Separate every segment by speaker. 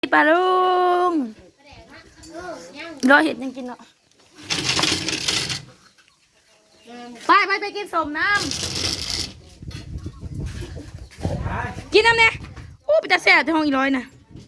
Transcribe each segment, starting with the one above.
Speaker 1: ปลาลุงรอเห็ดยังกินเนาะไปกินสมน้ำกินน้ำเนี่ยโอ้ไปจะแซ่บที่ห้องอีร้อยนะ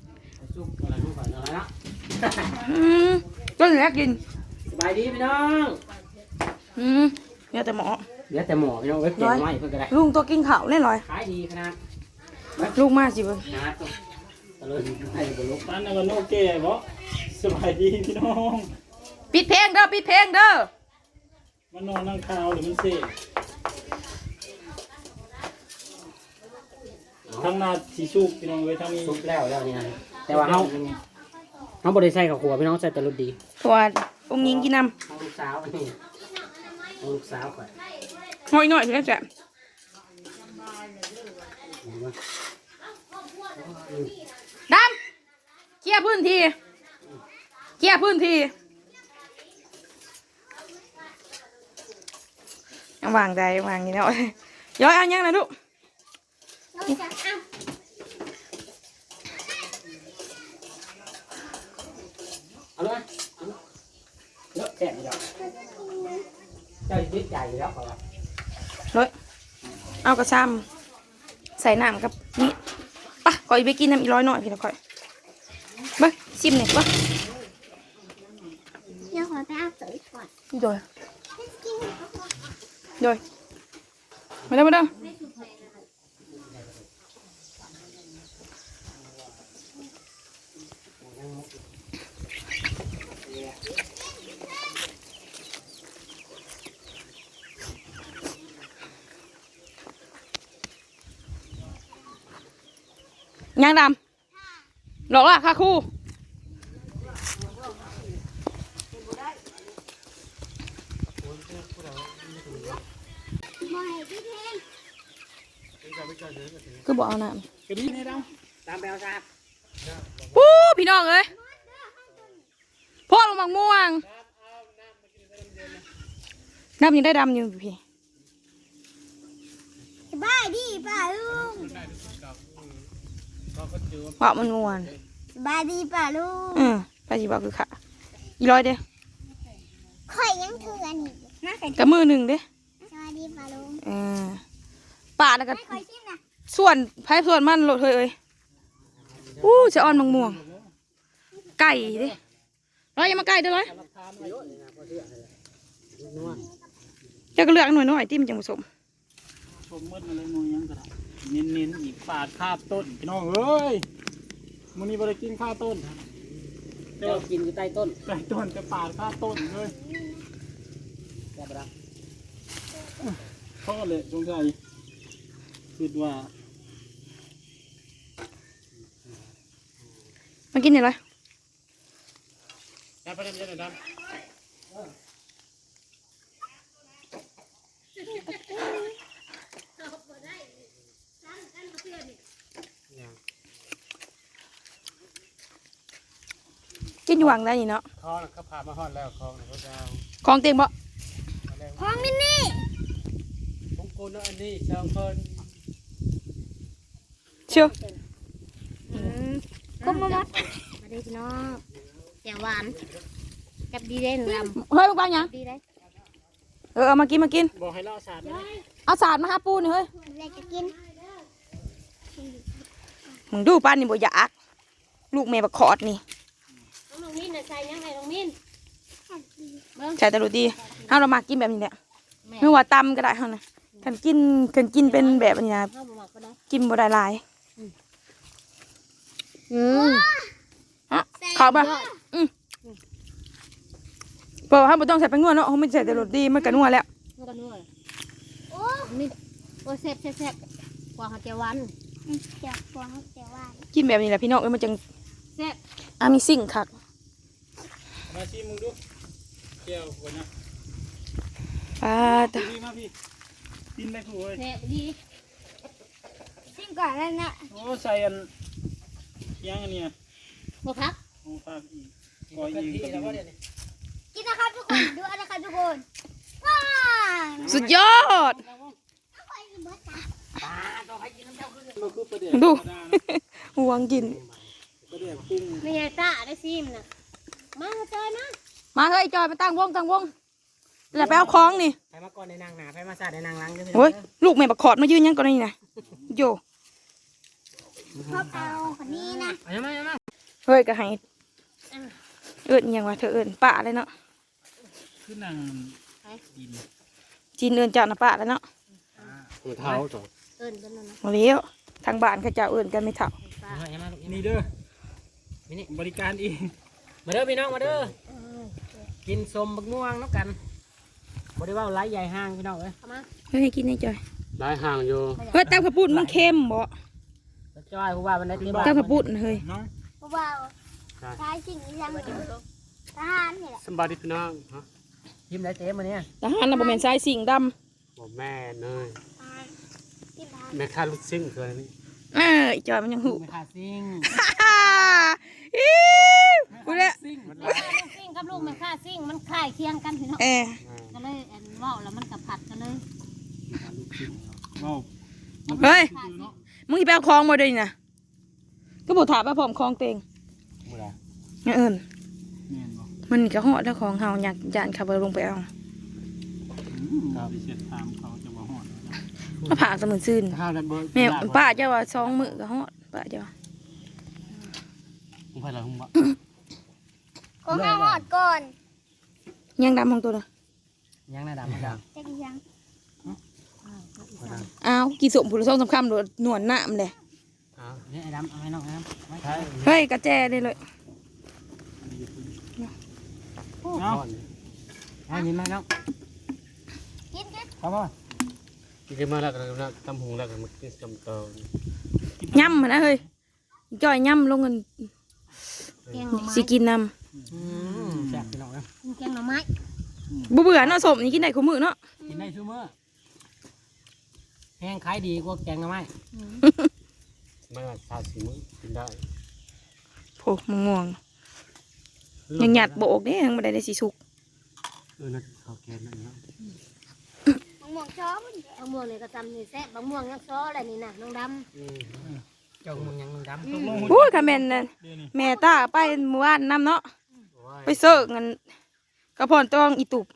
Speaker 1: ก็เหลือกิน
Speaker 2: สบายดีพี่น้อง
Speaker 1: เหลือแต่หมอ
Speaker 2: พี่น้องไว้เก็บไว้เพื่อนก็ได้
Speaker 1: ลุงตัวกินข้าวแน่ลอย
Speaker 2: ขายดีขนาด
Speaker 1: ลูกมากสิเบิ้ง
Speaker 2: ตะลุนให้บนลูก
Speaker 3: นั่นน่ะมันโอเคบ่สบายดีพี่น้อง
Speaker 1: ปิดเพลงเด้อ
Speaker 3: มันนอนนั่งข่าวหรือมันเสกทั้งนาสีชุกพี่น้องไว้ทั้งนี้
Speaker 2: ซุปแล้วเนี่ยแต่ว่าเขาบริใส่กับหัวพี่น้องใส่ตะลุนดี
Speaker 1: ตัวองค์ยิงกินน้
Speaker 2: ำลูกสาวนี่ลูกสาวก่อน
Speaker 1: ำหน่อยเพื่อนจ้ะดำเคลียร์พื้นที่ยังวางใจวางอย่างนี้เนาะย้อยเอายังนะลูก
Speaker 2: เอาเลยเยอะแซ่บอยู่แล้วเจ้ายึดใจอยู่แล้วเขาว่า
Speaker 1: เลยเอากระซ้ำใส่น้ำกับนี่ปะก่อยไปกินน้ำอีร้อยหน่อยพี่ละก่อยไปชิมหน่อยปะ
Speaker 4: เดี๋ยวขอไปเอาสวยก่อน
Speaker 1: โดยมาเด้อยังดำหลอกล่ะค่ะครูคือบอกเอาน้ำ
Speaker 3: กระดิ่งให้เรา
Speaker 2: ตามแปลวซา
Speaker 1: ปู้พี่น้องเอ้ยพ่อลงมังม่วงน้ำยังได้ดำอยู่พี่
Speaker 4: สบายดีป่าลุง
Speaker 1: ว่ามันม่วน
Speaker 4: สบายดีป่าลุง
Speaker 1: ไปจีบอกคือค่ะอีร้อยเด้
Speaker 4: ข่อยยังเถื่อนอีก
Speaker 1: กับมือหนึ่งเด้
Speaker 4: สบายดีป่าลุง
Speaker 1: ป่าแล้วก็ส่วนไผ่ส่วนมันโหลดเอ้ยจะอ่อนมังม่วงไก่เด้ร้อยยังมาไก่เด้อร้อยจะก็เลือกหน่อยๆติ้มจังผสม
Speaker 3: ชมมืดอะไรงูยังก็ได้เน้นอีกปาดคาบต้นพี่น้องเอ้ยมื้อนี้บ่ได้กินข้าวต้น
Speaker 2: เจ้ากินอยู่ใต้ต้น
Speaker 3: จะปาดคาบต้นเลย
Speaker 2: แซ่บละ
Speaker 3: พ่อเลยสงสัยคิดว่า
Speaker 1: มากินอะไร
Speaker 3: ไปเล่นดำ
Speaker 1: กินอยู่หวังได้นี่เนาะ
Speaker 3: คลองเขาพามาฮอดแล้วคลองเขาจะ
Speaker 1: คลองเต็มบ่
Speaker 4: คลองนี่
Speaker 3: ผมกูเนาะอันนี้สองคน
Speaker 1: เชื่อ
Speaker 4: ก็มาได้พี่น้องแกงหวานกับดีเด่นล
Speaker 1: ำเฮ้ยลูกบ้านยัง
Speaker 4: ดีได้
Speaker 1: เอามากิน
Speaker 3: บอกให้เราสาด
Speaker 1: เอาสาดมาหาปูนี่เฮ้ย
Speaker 4: อะไรจะกิน
Speaker 1: มึงดูป้านนี่บ่อยากลูกแม่บักขอดนี่
Speaker 4: น้องมิ้นใส่ยังไงน้องมิ้น
Speaker 1: ใช่แต่รู้ดีเรามากินแบบนี้แหละไม่ว่าตำก็ได้เท่านั้นกันกินเป็นแบบนี้นะกินบ่ได้หลายเขาบ่เพราะว่าบ่ต้องใส่แป้งนัวเนาะเขาไม่ใส่แต่รสดีมันก็นัวแล้ว
Speaker 4: โอ้นี่โอ้แซ่บกว่าเจียวหวาน
Speaker 1: กินแบบนี้แหละพี่น้องมันจัง
Speaker 4: แซ่บ
Speaker 1: มีสิ่งคัก
Speaker 3: มาชิมมึงดูเจียวหัวนะ
Speaker 1: ตา
Speaker 3: มาพี่กินได้ผู้เว้ย
Speaker 4: แซ่บดีชิมก่อนแล้วนะ
Speaker 3: โอ้ใส่อันยังอันเนี้ย
Speaker 4: หมูพัก
Speaker 3: อีกก้อยอีก
Speaker 4: กินนะครับทุกคนดูนะครับทุกคน
Speaker 1: สุดยอดดูหวงกิน
Speaker 3: รียกกุ้ง
Speaker 4: ไม่ใช่ตาได้ซิมนะมาจอยนะ
Speaker 1: มาเฮ้ยจอยมาตั้งวงแล้วไปเอาของนี่
Speaker 2: ไปมาก่อนในนางหนาไปมาซาในนางล้าง
Speaker 1: โอ้ยลูกแม่บักขอดมายืนยังก่อนนี่นะโย
Speaker 4: ชอบเอาคนนี้นะ
Speaker 2: เอามา
Speaker 1: เฮ้ยก็ให้เอิ้นยังว่าเธอเอิ้นป้าเลยเนาะ
Speaker 3: ขึ้นนางดิน
Speaker 1: จีนเอิ้นเจ้าน่ะป้าแล้วเนาะ
Speaker 2: เท้าจ้ะ
Speaker 4: เอิญเป็นนะ
Speaker 1: บ่แล้วทางบ้านเขาเจ้าเอิ้นกันไม่เท่า
Speaker 2: เอามา
Speaker 3: นี่เด้อ
Speaker 2: นี่
Speaker 3: บริการเอง
Speaker 2: มาเด้อพี่น้องมาเด้อกินสมบักม่วงน้ำกันบ่ได้ว่าไล่ใหญ่ห้างพี่น้องเอ้ย
Speaker 4: เข้ามา
Speaker 1: เฮ้ยให้กินให้จอย
Speaker 2: ไล่ห่างอยู่
Speaker 1: เฮ้ยตำข้าวปุ้นมันเค็มบ่
Speaker 2: จ้อยผู้ว่ามันได้ที่บ้าน
Speaker 1: ตำข้าวปุ้นเฮ้ย
Speaker 3: น้อง
Speaker 4: เบาใช้สิ่งนี้ยังทหารนี่แหละ
Speaker 2: สบายดีพี่น้องฮะยิ้มได้เจ๊มาเนี่ย
Speaker 1: ทหารน่ะบ่แม่นสายสิ่งดำ
Speaker 2: บอกแม่เนย
Speaker 4: ที่ทหาร
Speaker 2: แม่ค่าลูกซิ่งคืออะไรนี่
Speaker 1: อีจอยมันยังหู
Speaker 2: แม่ค่าซิ่ง
Speaker 1: กูเลย
Speaker 3: ซิ่ง
Speaker 4: ลูกซิ่งกับลูกไม่ค่าซิ่งมันคล้ายเคียงกันพี่น้องก็เลยอันว่าวแล้วมันกับผัดกันเลย
Speaker 3: ว้าว
Speaker 1: เฮ้ยมึงสิไปเอาของมาด้วยนี่นะก็บอกถามว่าพร้อมของเต็ง
Speaker 2: บ่ได้
Speaker 1: งั้นเอิ้น
Speaker 3: แม่นบ่
Speaker 1: มันก็เหาะแล้วของเฮาอยากย่านขับลงไปเอา
Speaker 3: ดิเช็ดถามเขาจะว่าหอด
Speaker 1: มาผ่าสมุนซื่น
Speaker 2: ข้าวแล้วเบอร์
Speaker 1: แม่ป้าเจ้าว่า2 มื้อก็เหาะป้าเจ้า
Speaker 2: ผมไปแล้วผมบ่
Speaker 4: ก็ห้าหอดก่อน
Speaker 1: ยังดำของตัวน่ะ
Speaker 2: ยังน่าดำไม่ด
Speaker 4: จะกี่ยัง
Speaker 1: อ้าวกี่สมผู้ละ2-3 คำโดดหนวดน้ำเลย
Speaker 2: ำอ้าวนี่ไอ้ดำเอาให้น้องไอ้ดำไม่ใช่
Speaker 1: เฮ้ยกระแจได้เลย
Speaker 3: เนาะ
Speaker 2: ให้ยิ้มให้น้อง
Speaker 4: กินกิน
Speaker 3: ครับว่า
Speaker 2: กินมาแล้วก็ตำหุงแล้วก็มากินจำเตา
Speaker 1: ย่ำมานะเฮ้ยจ่อยย่ำลงเงิน
Speaker 4: แกงหน่อไม้
Speaker 1: สิกินน้
Speaker 2: แซ่บพี่น้องนะ
Speaker 4: แกงหน่อไม้
Speaker 1: ำบ่เบื่อเนาะสมนี่กินได้คู่มื้อเนาะ
Speaker 2: กินได้ชั่วโมงแห้งขายดีกว่าแกงหน่อไม้ไม่ว่าซาซิมื้อกินได้
Speaker 1: โผมง่วงยังหยัดโบกเด้ยังบ่ได้สิสุก
Speaker 2: นั่นข้าวแกงนั่นเนาะ
Speaker 4: บางม่วงช้อมันบางม่วงนี่ก็จำนี่แซ่บบางม่วงยังช้ออะไรนี่นะน้องด
Speaker 2: เจ้ามึงยังดำ
Speaker 3: ตกลง
Speaker 1: โอ้ยค่ะแม่นนั่น
Speaker 3: เดี๋ยวนี้
Speaker 1: แม่ตาไปเมื่อวานนำเนาะไปเสิร์ฟเงินกระพรตองอีตุบ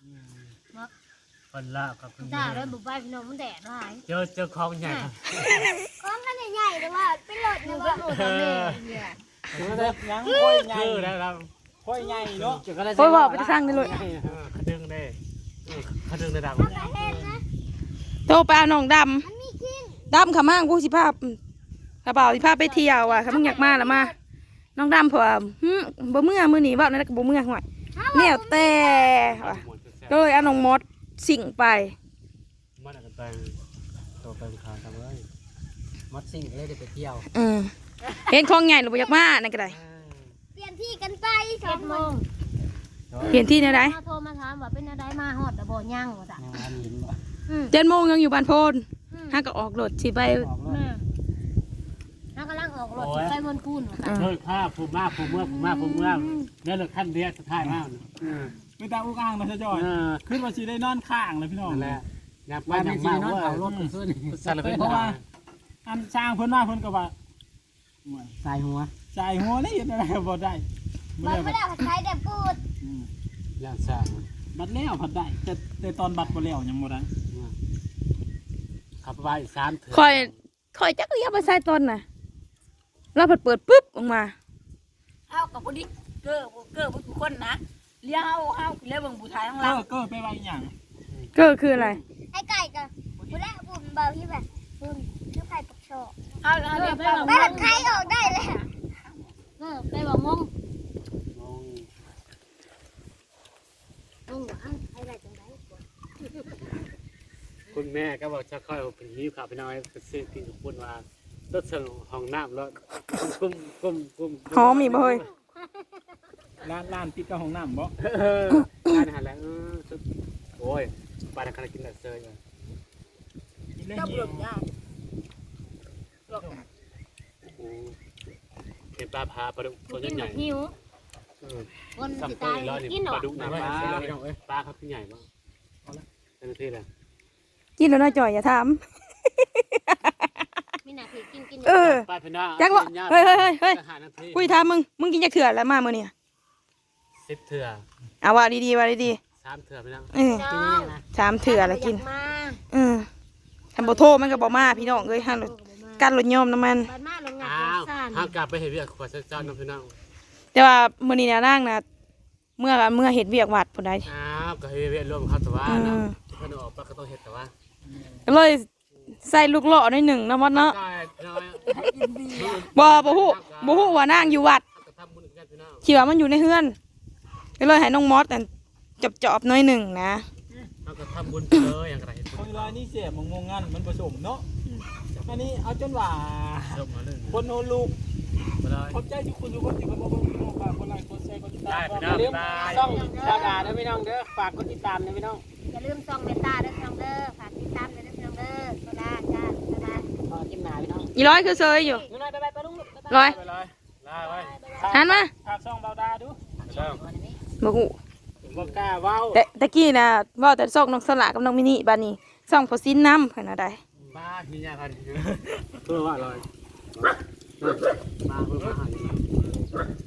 Speaker 2: คนละกับ
Speaker 4: ำจ้าเลยบุบใบพี่น้องมันแดดหาย
Speaker 2: เจอของใหญ่
Speaker 4: ของกันใหญ่ๆแต่ว่าเป็นรถนะว่าโอ้โหเนี่ย
Speaker 3: ยังค่อยใหญ่
Speaker 2: ได้ครับ
Speaker 3: ค่อยใหญ่เนาะ
Speaker 1: โอ้ยบอกไปจะสร้างได้เลย
Speaker 2: ขดึงได้ขดึงได้ดำ
Speaker 4: เห็นนะ
Speaker 1: โตไปเอาน้องด
Speaker 4: มันมีกิ้ง
Speaker 1: ำดำขามั่งกูสิพากระเป๋าสิพาไปเที่ยวอ่ะถ้ามึงอยากมาแล้วมาน้องดำเผื่อบ่เมื่อมื้อนี้เว้านั่นก็บ่เมื่อห่วยแนวแต่ว่ะก็เลยเอาน้องมดสิ่งไป
Speaker 2: มันอาจจะเป็นตัวเป็นขาทำเลยมัดซิ่งเลยเดี๋ยวไปเที่ยว
Speaker 1: เห็นของใหญ่หรือบ่อยากมานั่นก็ได้
Speaker 4: เปลี่ยนที่กันไป7 โมง
Speaker 1: เปลี่ยนที่แนวใด
Speaker 4: โทรมาถามว่าเป็นอะไรมาฮอดแต่บ่ย่างว่าจ้ะ
Speaker 2: ยังร้านหินบ่
Speaker 1: 7 โมงยังอยู่บ้านโพนห้าก็ออกรถสิไป
Speaker 3: ออกรถ
Speaker 4: แม่น้ากำลังออกรถไปบนคูนว่าจ้ะ
Speaker 2: เฮ้ยข้าภูมิมากภูมิเมื่อเนี่ยเลยขั้นเดียวสุดท้ายมาก
Speaker 3: ไม่ตาอุ้งอ่างนะเจ้าจอยขึ้นมาสิได้นอนข้างเลยพี่น้อง
Speaker 2: นั่นแหละอยากไปอยากมาว่าเอารถขึ้นสารพัด
Speaker 3: เพราะว่าอันสร้างเพิ่นมาเพิ่นก็ว่า
Speaker 2: ใส่หัว
Speaker 3: จ่ายหัวนี่เห็นอะไรบ่ได้
Speaker 4: บัดไม่ได้ใช้แต่พูด
Speaker 2: ย่างสร้าง
Speaker 3: บัตรแล้วผัดได้แต่ตอนบัตรบ่แล้วยังบ่ได้
Speaker 2: ขับไป3 เถื่อ
Speaker 1: คอยจักเรียบไปใส่ตนน่ะเราเปิดปุ๊บออกมา
Speaker 5: เฮากับบ่ดิเก้อบ่ทุกคนนะเลี้ยงเฮาเลี้ยงเบิ่งผู้ชายข้างหล่าง
Speaker 3: ก็ไปไว้หยัง
Speaker 1: ก็คืออะไร
Speaker 4: ไอ้ไก่กับบุแลบุ่มเบาที่แบบบุ่มชื่อไข่ปักโชก
Speaker 5: เฮาเลี้ยงเบิ่ง
Speaker 4: ไม่ผัดไข่ออกได้เลยไปบอกมงมงว่าไอ้ไรจังไร
Speaker 2: คุณแม่ก็บอกจะค่อยเป็นหิ้วขับไปน้อยไปซื้อกินกับคุณว่าต้นเสนห้องน้ำแล้วกุ้ม
Speaker 1: หอมอีกบ่เฮ้ย
Speaker 3: ร้านติดกับห้องน้ำบ่
Speaker 2: ร้านอาหารแล้วโอ้ยบ้านขนาดกินแต่เซยเลย
Speaker 3: กินได้
Speaker 5: ก็
Speaker 3: เหี่
Speaker 5: บ่
Speaker 3: ยว
Speaker 5: ยาก
Speaker 2: เห็นปลาพาปลาดุกตัว
Speaker 4: กิน
Speaker 2: ให
Speaker 4: แบ
Speaker 2: ญ่
Speaker 4: บหิวคนสิ
Speaker 2: ซ้ำตั
Speaker 4: ตา
Speaker 2: วย แล้วนี่
Speaker 4: กินหร
Speaker 2: ป
Speaker 4: อ
Speaker 2: ลาดุกนะปลาปลาครับที่ใหญ่บ้างเต็มที่เลย
Speaker 1: กินแล้วน่าจ่อยอย่าถาม
Speaker 4: มีไหนเนี่ยพี่กิน
Speaker 1: เออ
Speaker 2: ไปพี่น้อง
Speaker 1: จักละเฮ้ย
Speaker 2: อาหารนาที
Speaker 1: คุยถามมึงกินจักเถื่อแล้วมามื้อนี้
Speaker 2: 10เถื่อ
Speaker 1: เอาว่าดีๆว่าดี
Speaker 2: 3เถื่อพี่น้อง
Speaker 1: ๆเออ
Speaker 4: น้อง
Speaker 1: 3เถื่อแล้วกิน
Speaker 4: มา
Speaker 1: ทำบ่โทรมันก็บ่มาพี่น้องเอ้ยหั่นกันรถยอมน้ำมัน
Speaker 4: บ้านมาลงงาน
Speaker 2: อ้าว
Speaker 4: ซ่าน
Speaker 2: ห้ามกลับไปเฮ็ดเวียกขวดเจ้าน้องพี่น้อง
Speaker 1: แต่ว่ามื้อนี้น่ะนางน่ะเมื่อเฮ็ดเวียกวัดพุ่นใด
Speaker 2: อ้าวก็เฮ็ดเวียกรวมเขาแต่ว่าเนาะเพิ่นออกไปก็ต้องเฮ็ดแต่ว่า
Speaker 1: ก็เลยใส่ลูกเลาะหน่อยหนึ่งนะมดเนาะ
Speaker 2: ได้พี่น้อง
Speaker 1: บ่ฮู้ว่านางอยู่วัด
Speaker 2: ก็ทำบุญกันพี่น้อง
Speaker 1: คิดว่ามันอยู่ในเฮือนก็เลยให้น้องมอสแต่จอบๆหน่อยหนึ่งนะ
Speaker 2: เฮาก็ทำบุญไปเลยอย่างไร
Speaker 3: คนลายนี่เสียมงงงันมันผสมเนาะอันนี้เอาจนว่า
Speaker 2: จบมาเลย
Speaker 3: คนโนลูก
Speaker 2: ไปเลย
Speaker 3: ขอบใจทุกคนทุกคนที่มาบอกว่าคนไลค์คนแชร์คนติดตาม
Speaker 2: ได้พี่น้อง
Speaker 3: ช่องดาดาเด้อพี่น้องเด้อฝากกดติดตามนะพี่น้อง
Speaker 4: อย่าลืมส่องเมตตาเด้อพี่น้องเด้อฝากติดตามเด้อพี่น้องเด้อโซดาจ้าโซดา
Speaker 3: ขอกินหนาพี่น้อง
Speaker 1: อีร้อยคือเซยอยู่
Speaker 3: นู่นไปไปลุงลูก
Speaker 1: ร้อย
Speaker 3: ไปเลย
Speaker 2: ได้ไว้
Speaker 1: หันมา
Speaker 3: ฝากช่องเบาดาดู
Speaker 2: ช่อง
Speaker 1: บ่ฮู้
Speaker 3: บอกกล้าเว้า
Speaker 1: แต่ตะกี้น่ะเว้าแต่ซอกน้องสละกับน้องมินิบัดนี้ซ่องพอซินน้ำเพิ่นน่ะได้
Speaker 2: บ้าที่ยาคันเพื่อว่าลอยมาเพื่อมาหา